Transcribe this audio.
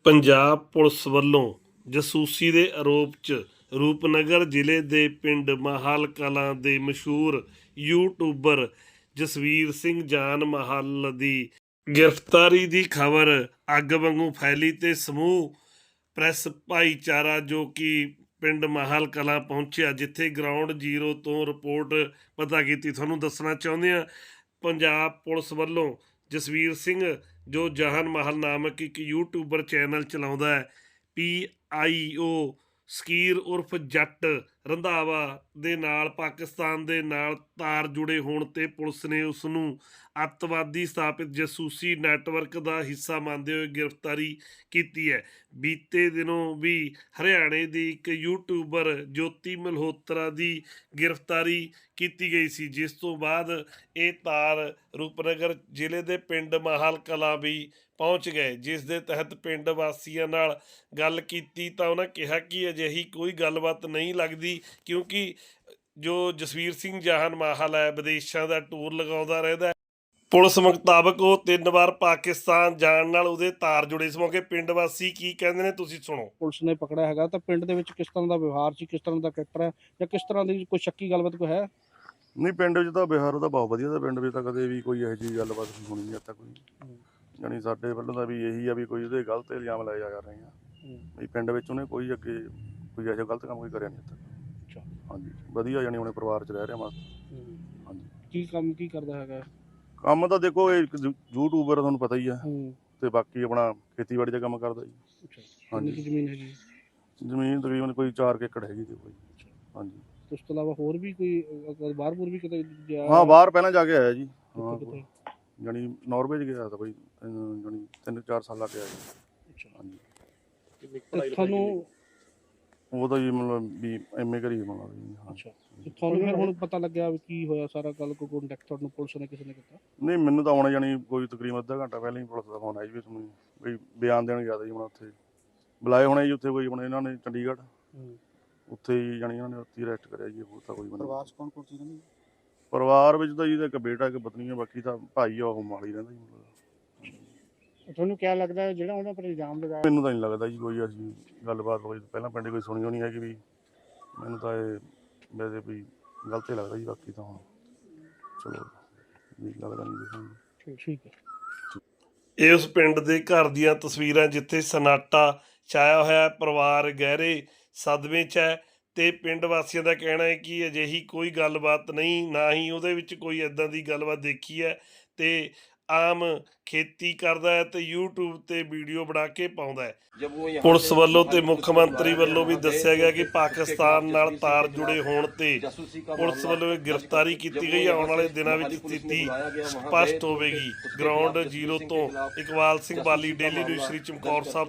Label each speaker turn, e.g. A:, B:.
A: Punjab police ਵੱਲੋਂ ਜਾਸੂਸੀ ਦੇ ਆਰੋਪ 'ਚ ਰੂਪਨਗਰ ਜ਼ਿਲ੍ਹੇ ਦੇ ਪਿੰਡ ਮਾਹਲ ਕਲਾਂ ਦੇ ਮਸ਼ਹੂਰ ਯੂਟਿਊਬਰ ਜਸਵੀਰ ਸਿੰਘ ਜਾਨ ਮਾਹਲ ਦੀ ਗ੍ਰਿਫਤਾਰੀ ਦੀ ਖਬਰ ਅੱਗ ਵਾਂਗੂ ਫੈਲੀ ਤੇ ਸਮੂਹ ਪ੍ਰੈਸ ਭਾਈਚਾਰਾ ਜੋ ਕਿ ਪਿੰਡ ਮਾਹਲ ਕਲਾਂ ਪਹੁੰਚਿਆ, ਜਿੱਥੇ ਗਰਾਊਂਡ ਜ਼ੀਰੋ ਤੋਂ ਰਿਪੋਰਟ ਪਤਾ ਕੀਤੀ। ਤੁਹਾਨੂੰ ਦੱਸਣਾ ਚਾਹੁੰਦੇ ਹਾਂ, ਪੰਜਾਬ ਪੁਲਿਸ ਵੱਲੋਂ ਜਸਵੀਰ ਸਿੰਘ ਜੋ ਜਹਾਨ ਮਾਹਲ ਨਾਮਕ ਇੱਕ ਯੂਟਿਊਬਰ ਚੈਨਲ ਚਲਾਉਂਦਾ ਹੈ, PIO ਸਕੀਰ ਉਰਫ ਜੱਟ ਰੰਧਾਵਾ ਦੇ ਨਾਲ ਪਾਕਿਸਤਾਨ ਦੇ ਨਾਲ ਤਾਰ ਜੁੜੇ ਹੋਣ ਤੇ ਪੁਲਿਸ ਨੇ ਉਸ ਨੂੰ ਅੱਤਵਾਦੀ ਸਥਾਪਿਤ ਜਾਸੂਸੀ ਨੈਟਵਰਕ ਦਾ ਹਿੱਸਾ ਮੰਨਦੇ ਹੋਏ ਗ੍ਰਿਫਤਾਰੀ ਕੀਤੀ ਹੈ। ਬੀਤੇ ਦਿਨੋਂ ਵੀ ਹਰਿਆਣੇ ਦੀ ਇੱਕ ਯੂਟਿਊਬਰ ਜੋਤੀ ਮਲਹੋਤਰਾ ਦੀ ਗ੍ਰਿਫਤਾਰੀ ਕੀਤੀ ਗਈ ਸੀ, ਜਿਸ ਤੋਂ ਬਾਅਦ ਇਹ ਤਾਰ ਰੂਪਨਗਰ ਜ਼ਿਲ੍ਹੇ ਦੇ ਪਿੰਡ ਮਾਹਲ ਕਲਾਂ ਵੀ ਪਹੁੰਚ ਗਏ, ਜਿਸ ਦੇ ਤਹਿਤ ਪਿੰਡ ਵਾਸੀਆਂ ਨਾਲ ਗੱਲ ਕੀਤੀ ਤਾਂ ਉਹਨਾਂ ਕਿਹਾ ਕਿ ਅਜਿਹੀ ਕੋਈ ਗੱਲਬਾਤ ਨਹੀਂ ਲੱਗਦੀ, ਕਿਉਂਕਿ ਜੋ ਜਸਵੀਰ ਸਿੰਘ ਜਾਨ ਮਾਹਲ ਹੈ ਵਿਦੇਸ਼ਾਂ ਦਾ ਟੂਰ ਲਗਾਉਂਦਾ ਰਹਿੰਦਾ ਹੈ। ਪੁਲਿਸ ਮੁਤਾਬਕ ਉਹ 3 ਵਾਰ ਪਾਕਿਸਤਾਨ ਜਾਣ ਨਾਲ ਉਹਦੇ ਤਾਰ ਜੁੜੇ। ਇਸ ਮੌਕੇ ਪਿੰਡ ਵਾਸੀ ਕੀ ਕਹਿੰਦੇ ਨੇ, ਤੁਸੀਂ ਸੁਣੋ।
B: ਪੁਲਿਸ ਨੇ ਪਕੜਿਆ ਹੈਗਾ ਤਾਂ ਪਿੰਡ ਦੇ ਵਿੱਚ ਕਿਸ ਤਰ੍ਹਾਂ ਦਾ ਵਿਵਹਾਰ ਸੀ, ਕਿਸ ਤਰ੍ਹਾਂ ਦਾ ਕਰੈਕਟਰ ਹੈ, ਜਾਂ ਕਿਸ ਤਰ੍ਹਾਂ ਦੀ ਕੋਈ ਸ਼ੱਕੀ ਗੱਲਬਾਤ ਕੋਈ ਹੈ?
C: ਨਹੀਂ, ਪਿੰਡ ਵਿੱਚ ਤਾਂ ਵਿਹਾਰ ਉਹਦਾ ਬਹੁਤ ਵਧੀਆ ਦਾ। ਪਿੰਡ ਵਿੱਚ ਤਾਂ ਕਦੇ ਵੀ ਕੋਈ ਇਹੋ ਜਿਹੀ ਗੱਲਬਾਤ ਨਹੀਂ ਹੋਣੀ ਅੱਜ ਤੱਕ ਕੋਈ। ਜਾਣੀ ਸਾਡੇ ਵੱਲੋਂ ਤਾਂ ਵੀ ਇਹੀ ਆ ਵੀ ਕੋਈ ਉਹਦੇ ਗਲਤ ਇਲਜ਼ਾਮ ਲਾਏ ਜਾ ਰਹੇ ਆ ਵੀ ਪਿੰਡ ਵਿੱਚ ਉਹਨੇ ਕੋਈ ਅੱਗੇ ਕੋਈ ਇਹੋ ਜਿਹਾ ਗਲਤ ਕੰਮ ਕੋਈ ਕਰਿਆ ਨਹੀਂ ਅੱਜ ਤੱਕ।
B: ਅੱਛਾ,
C: ਹਾਂਜੀ, ਵਧੀਆ ਜਾਣੀ ਆਪਣੇ ਪਰਿਵਾਰ 'ਚ ਰਹਿ ਰਿਹਾ ਮਸਤ। ਹਾਂਜੀ,
B: ਕੀ ਕੰਮ ਕੀ ਕਰਦਾ ਹੈਗਾ?
C: ਕੰਮ ਤਾਂ ਦੇਖੋ ਇਹ ਯੂਟਿਊਬਰ ਤੁਹਾਨੂੰ ਪਤਾ ਹੀ ਆ, ਤੇ ਬਾਕੀ ਆਪਣਾ ਖੇਤੀਬਾੜੀ ਦਾ ਕੰਮ ਕਰਦਾ ਜੀ।
B: ਅੱਛਾ,
C: ਹਾਂਜੀ।
B: ਕਿੰਨੀ ਜ਼ਮੀਨ ਹੈਗੀ?
C: ਜ਼ਮੀਨ ਤਕਰੀਬਨ ਕੋਈ 4 ਏਕੜ ਹੈਗੀ ਜੀ ਕੋਈ। ਹਾਂਜੀ,
B: ਉਸ ਤੋਂ ਇਲਾਵਾ ਹੋਰ ਵੀ ਕੋਈ ਬਾਹਰ ਵੀ ਕਿਤੇ ਗਿਆ?
C: ਹਾਂ, ਬਾਹਰ ਪਹਿਲਾਂ ਜਾ ਕੇ ਆਇਆ ਜੀ।
B: ਕਿੱਥੇ?
C: ਜਾਣੀ ਨਾਰਵੇ 'ਚ ਗਿਆ ਤਾਂ ਬਈ, ਜਾਣੀ 3-4 ਸਾਲ ਲਾ ਕੇ ਆਇਆ ਜੀ।
B: ਅੱਛਾ,
C: ਹਾਂਜੀ।
B: ਤੁਹਾਨੂੰ
C: ਉਹਦਾ ਜੀ ਮਤਲਬ ਵੀ MA ਕਰੀ ਮਤਲਬ ਜੀ।
B: ਅੱਛਾ, ਤੁਹਾਨੂੰ ਫਿਰ ਹੁਣ ਪਤਾ ਲੱਗਿਆ ਵੀ ਕੀ ਹੋਇਆ ਸਾਰਾ ਗੱਲ? ਕੋਈ ਕੰਟੈਕਟ ਤੁਹਾਨੂੰ ਪੁਲਿਸ ਨੇ ਕਿਸੇ ਨੇ ਕੀਤਾ?
C: ਨਹੀਂ, ਮੈਨੂੰ ਤਾਂ ਆਉਣਾ ਜਾਣੀ ਕੋਈ ਤਕਰੀਬਨ ਅੱਧਾ ਘੰਟਾ ਪਹਿਲਾਂ ਹੀ ਪੁਲਿਸ ਦਾ ਫੋਨ ਆਇਆ ਜੀ ਵੀ ਤੁਹਾਨੂੰ ਵੀ ਬਿਆਨ ਦੇਣ ਗਿਆ ਤਾ ਜੀ। ਹੁਣ ਉੱਥੇ ਬੁਲਾਏ ਹੋਣੇ ਜੀ, ਉੱਥੇ ਕੋਈ ਆਪਣੇ ਇਹਨਾਂ ਨੇ ਚੰਡੀਗੜ੍ਹ, ਉੱਥੇ ਹੀ ਜਾਣੀ ਇਹਨਾਂ ਨੇ ਉੱਥੇ ਅਰੈਸਟ ਕਰਿਆ ਜੀ। ਹੋਰ ਤਾਂ ਕੋਈ ਬੰਦਾ।
B: ਪਰਿਵਾਰ 'ਚ ਕੌਣ ਕੌਣ ਸੀ ਇਹਨਾਂ ਦੇ?
C: ਪਰਿਵਾਰ ਵਿੱਚ ਤਾਂ ਜੀ ਇੱਕ ਬੇਟਾ ਇੱਕ ਪਤਨੀ ਆ, ਬਾਕੀ ਤਾਂ ਭਾਈ ਆ ਉਹ ਮੋਹਾਲੀ ਰਹਿੰਦਾ ਜੀ।
B: ਤੁਹਾਨੂੰ ਕੀ ਲੱਗਦਾ ਜਿਹੜਾ ਉਹਨਾਂ ਪਰ ਇਲਜ਼ਾਮ ਲਗਾਇਆ?
C: ਮੈਨੂੰ ਤਾਂ ਨਹੀਂ ਲੱਗਦਾ ਜੀ ਕੋਈ ਅਸੀਂ ਗੱਲਬਾਤ ਹੋਈ ਪਹਿਲਾਂ ਪਿੰਡ ਕੋਈ ਸੁਣੀ ਹੋਣੀ ਹੈਗੀ ਵੀ। ਮੈਨੂੰ ਤਾਂ ਇਹ ਵੈਸੇ ਵੀ ਗਲਤ ਹੀ ਲੱਗਦਾ ਜੀ। ਬਾਕੀ ਤਾਂ ਹੁਣ ਚਲੋ ਵੀ ਲੱਗਦਾ ਨਹੀਂ।
B: ਠੀਕ ਹੈ।
A: ਇਹ ਉਸ ਪਿੰਡ ਦੇ ਘਰ ਦੀਆਂ ਤਸਵੀਰਾਂ ਜਿੱਥੇ ਸਨਾਟਾ ਛਾਇਆ ਹੋਇਆ, ਪਰਿਵਾਰ ਗਹਿਰੇ ਸਦਮੇ 'ਚ ਹੈ ਤੇ ਪਿੰਡ ਵਾਸੀਆਂ ਦਾ ਕਹਿਣਾ ਹੈ ਕਿ ਅਜਿਹੀ ਕੋਈ ਗੱਲਬਾਤ ਨਹੀਂ, ਨਾ ਹੀ ਉਹਦੇ ਵਿੱਚ ਕੋਈ ਇੱਦਾਂ ਦੀ ਗੱਲਬਾਤ ਦੇਖੀ ਹੈ। ਤੇ ਆਮ ਖੇਤੀ ਕਰਦਾ ਹੈ ਤੇ YouTube ਤੇ ਵੀਡੀਓ ਬਣਾ ਕੇ ਪਾਉਂਦਾ ਹੈ। ਪੁਲਿਸ ਵੱਲੋਂ ਤੇ ਮੁੱਖ ਮੰਤਰੀ ਵੱਲੋਂ ਵੀ ਦੱਸਿਆ ਗਿਆ ਕਿ ਪਾਕਿਸਤਾਨ ਨਾਲ ਤਾਰ ਜੁੜੇ ਹੋਣ ਤੇ ਪੁਲਿਸ ਵੱਲੋਂ ਇਹ ਗ੍ਰਿਫਤਾਰੀ ਕੀਤੀ ਗਈ। ਆਉਣ ਵਾਲੇ ਦਿਨਾਂ ਵਿੱਚ ਸਥਿਤੀ ਸਪਸ਼ਟ ਹੋਵੇਗੀ। ਗਰਾਊਂਡ ਜ਼ੀਰੋ ਤੋਂ ਇਕਬਾਲ ਸਿੰਘ ਬਾਲੀ, ਡੇਲੀ ਨਿਊਜ਼, ਸ੍ਰੀ ਚਮਕੌਰ ਸਾਹਿਬ।